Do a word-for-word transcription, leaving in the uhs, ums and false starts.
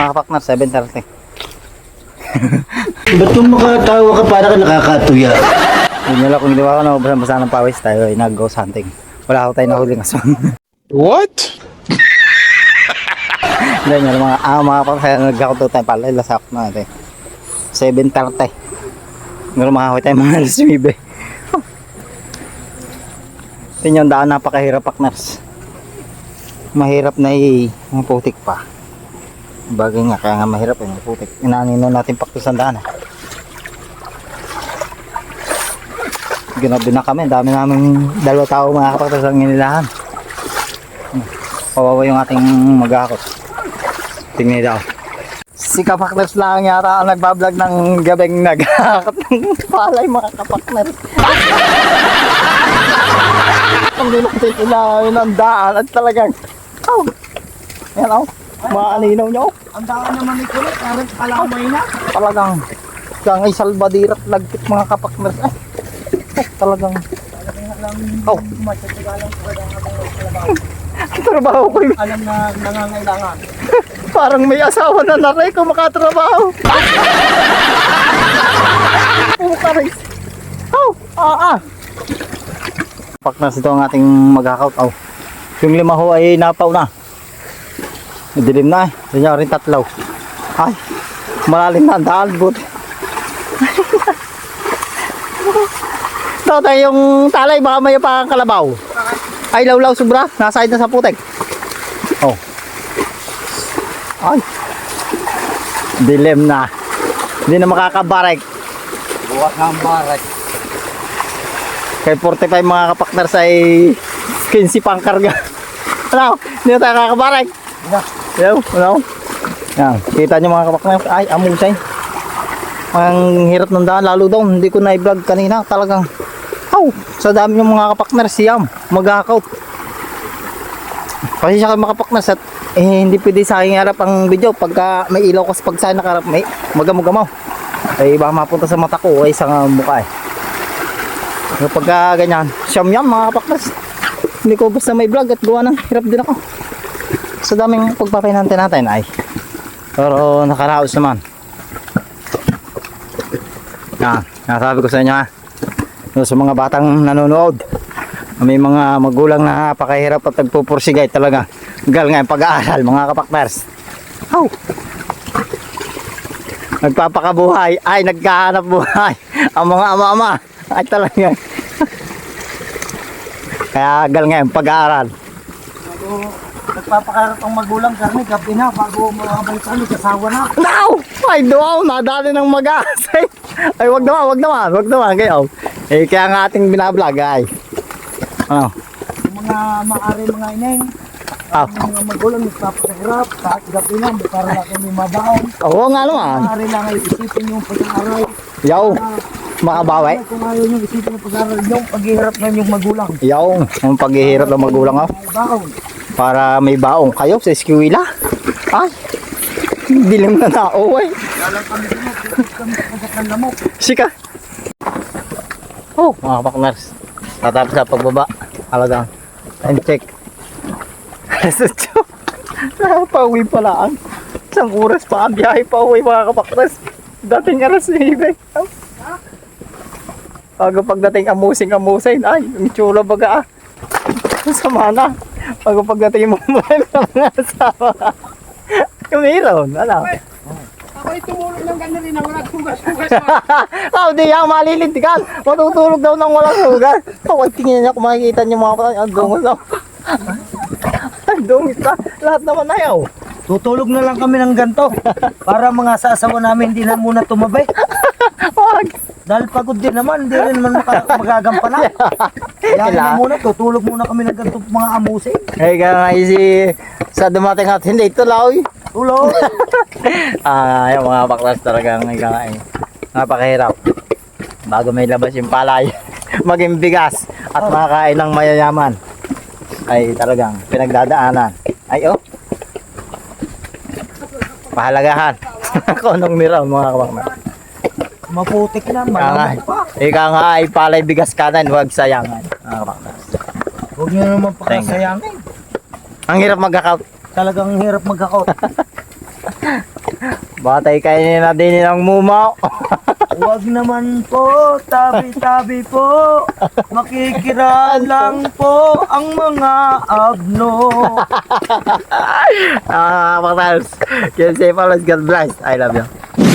mga kapaknar, seven thirty. Ba't kung makatawa ka para ka nakakatuya? Yun nyo lang, kung hindi ako na basa ng pawis tayo ay nag-ghost hunting. Wala ako tayo nahuling aswang. What? Hindi nyo lang, mga, ah, mga kapaknar, nag-ako tayo pala, lasak na natin. seven thirty. Ngayon makahoy tayo mga alas nuwebe. Tingnan yung daan, napakahirap paknars. Mahirap na i putik pa. Bagay nga, kaya nga mahirap eh, putik. Inaanino natin paktos ang daan eh. Ginabi na kami, dami namin dalawa tao mga kapaktos ang inilahan. Kawawa yung ating mag-akot. Tingnan daw. Si kapakners lang yata ang nagbablog ng gabing nag-akot ng palay mga kapakners. Ang dinukutin ilahin ang daan at talagang oh, yan oh, maaninaw nyo. Ang daan naman ni Kulot, parang kalamay na. Talagang kang ay salbadira at lagkit mga kapakners. Eh, oh, talagang oh, ang trabaho ko yun. Alam na nangangailangan. Parang may asawa na na rin kung makatrabaho. Oh, karis. Oh, ah, ah. Paknas ito ang ating mag-hakaut. Oh. Yung lima ho ay napaw na. Dilim na eh. Diyan rin tatlaw. Ay, malalim na ang daan. Buti. Ito yung talay. Baka may pa ang kalabaw. Ay, lawlaw sobra. Nasahid na sa putek. Oh. Ay. Dilim na. Hindi na makakabarek. Buwak ng barak. Kay forty-five mga kapakners ay fifteen pang karga. Ano? Hindi na tayo kakabarek. Hello? Hello? Yan. Kita nyo mga kapakners. Ay, amusay. Ang hirap ng daan. Lalo daw. Hindi ko na-vlog kanina. Talagang oh, sa dami yung mga kapakners siyam. Mag-hakaut. Kasi siya kayo mga kapakners at eh, hindi pwede sa aking harap ang video. Pagka may ilaw kasi pag sa nakarap may magamugamaw. Ay baka mapunta sa mata ko ay sa mukha eh. Pagka ganyan, siyam yan mga kapaklas. Hindi ko basta may vlog at gawa ng hirap din ako. Sa daming pagpapinante natin ay. Pero nakaraos naman. Yan, nasabi ko sa inyo ha. Sa mga batang nanonood. May mga magulang na napakahirap at nagpupursigay talaga. Gal nga yung pag-aaral mga kapaklas. Oh. Nagpapakabuhay ay nagkahanap buhay ang mga ama-ama ay talaga. Kaya gal ngayon pag-aaral. Bago nagpapakarap ang magulang karni, gabi na, bago makabalik kami, kasawa na. No! Ay doon, nadali ng mag-aasay. Ay wag naman, wag naman, wag naman kayo. Eh kaya nga ating binablog ay. Ano? Yung mga maari mga ineng, Ah. yung mga magulang nagpapakarap, kahit gabi na, para na kami mabaon. Oo nga naman. Maari lang ay isipin yung pag-aaral. Yaw, makabawi. Kung ayaw nyo isipin yung pag-aaral, yung paghihirap na yung magulang. Yaw, ang paghihirap ng magulang oh. Ay, baon. Para may baong kayo sa eskwela. Ay, dilim na tao eh. Dalang kami sino, kukit kami sa kanlamok. Sika. Oh, mga pakners. Tatapos sa pagbaba. Alagang. And check. Napauwi pala ang isang oras pa ang biyahe pa uwi mga kapakners. Dating alas nuwebe. Bago pagdating amusing amusing. Ay, ang tsura baga ah. Sama na. Bago pagdating mo mo ng mga asawa. Kumiron. Ano? Ako'y tumulog ng ganda rin na walang sugas-sugas. Oh, di yan malilintikan. Matutulog daw ng walang sugat. Oh, tingnan niya kung makikita niyo mga kapatid. Ang dungos daw. Ang dungos na. Lahat naman ayaw. Tutulog na lang kami ng ganto para mga sasawa namin hindi na muna tumabay. Wag. Dahil pagod din naman, hindi rin naman maka- magagampanan. Kaya na muna, tutulog muna kami ng ganto mga amusing. Eh, kaya nga si sa dumating at hindi tuloy. Tulog! Ah, yung mga baklas talagang ikaw napakahirap. Bago may labas yung palay, maging bigas at makakain ng mayayaman. Ay talagang pinagdadaanan. Ay oh. Pahalagahan. Konong niraw mga kabaklas. Maputik na, Ika nga, malamok pa. ika nga ay palay bigas kanan, huwag sayangan. Mga kabaklas. Huwag nyo naman pakasayangin. Ang hirap mag-account. Talagang hirap mag-account. Batay kainin na din ng mumaw. Huwag naman po, tabi-tabi po. Makikira lang po ang mga abno. Ah, mga tals. Yan si Palos. God bless. I love you.